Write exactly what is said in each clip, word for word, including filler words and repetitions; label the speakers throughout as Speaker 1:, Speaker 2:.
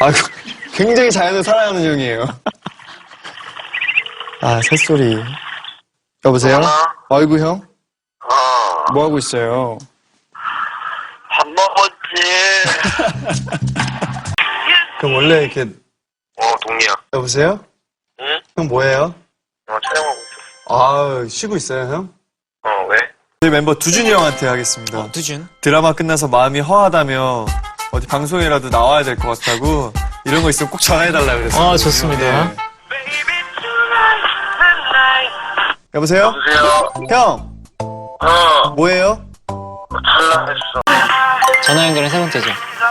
Speaker 1: 아, 굉장히 자연을 사랑하는 형이에요. 아, 새소리. 여보세요?
Speaker 2: 전화?
Speaker 1: 아이고, 형?
Speaker 2: 어,
Speaker 1: 뭐 하고 있어요?
Speaker 2: 밥 먹었지.
Speaker 1: 그럼 원래 이렇게,
Speaker 2: 어, 동리야.
Speaker 1: 여보세요?
Speaker 2: 응?
Speaker 1: 형 뭐해요?
Speaker 2: 어, 촬영하고 있어.
Speaker 1: 아, 쉬고 있어요, 형?
Speaker 2: 어, 왜?
Speaker 1: 저희 멤버 두준이 형한테 하겠습니다.
Speaker 3: 어, 두준.
Speaker 1: 드라마 끝나서 마음이 허하다며 어디 방송이라도 나와야 될 것 같다고 이런 거 있으면 꼭 전화해달라 그랬어요.
Speaker 3: 아, 좋습니다.
Speaker 1: 네. 여보세요?
Speaker 2: 여보세요?
Speaker 1: 형,
Speaker 2: 어,
Speaker 1: 뭐해요?
Speaker 2: 찰나했어.
Speaker 3: 전화 연결은 세 번째죠.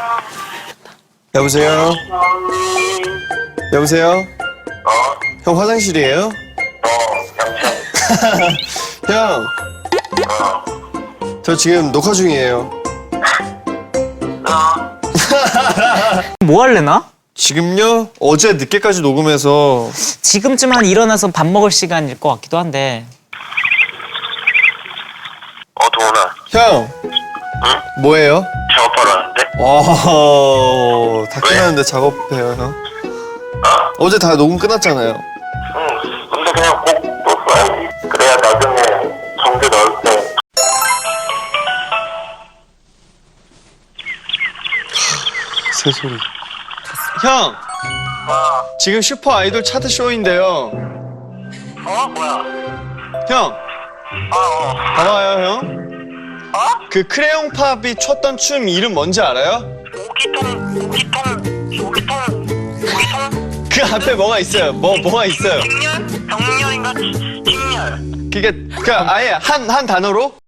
Speaker 1: 여보세요? 여보세요?
Speaker 2: 어,
Speaker 1: 형 화장실이에요?
Speaker 2: 어, 양치하고 있어.
Speaker 1: 형,
Speaker 2: 어,
Speaker 1: 저 지금 녹화 중이에요.
Speaker 2: 어,
Speaker 3: 뭐 할래나?
Speaker 1: 지금요? 어제 늦게까지 녹음해서
Speaker 3: 지금쯤 한 일어나서 밥 먹을 시간일 것 같기도 한데.
Speaker 2: 어, 도훈아.
Speaker 1: 형,
Speaker 2: 응?
Speaker 1: 뭐해요?
Speaker 2: 작업하러 왔는데?
Speaker 1: 와, 다 끝났는데 작업해요, 형?
Speaker 2: 어,
Speaker 1: 어제 다 녹음 끝났잖아요.
Speaker 2: 응. 근데 그냥 꼭또 써야지. 그래야 나중에 정규 넣을 때.
Speaker 1: 새소리. 형!
Speaker 2: 어,
Speaker 1: 지금 슈퍼 아이돌 차트 쇼인데요.
Speaker 2: 어, 뭐야?
Speaker 1: 형!
Speaker 2: 어, 어,
Speaker 1: 봐봐요, 형.
Speaker 2: 어?
Speaker 1: 그 크레용 팝이 췄던 춤 이름 뭔지 알아요?
Speaker 2: 오기통, 오기통, 오기통, 오기통?
Speaker 1: 그 앞에 뭐가 있어요. 뭐, 뭐가 있어요.
Speaker 2: 칭년? 정년인가? 칭년.
Speaker 1: 그게, 그 아예 한, 한 단어로?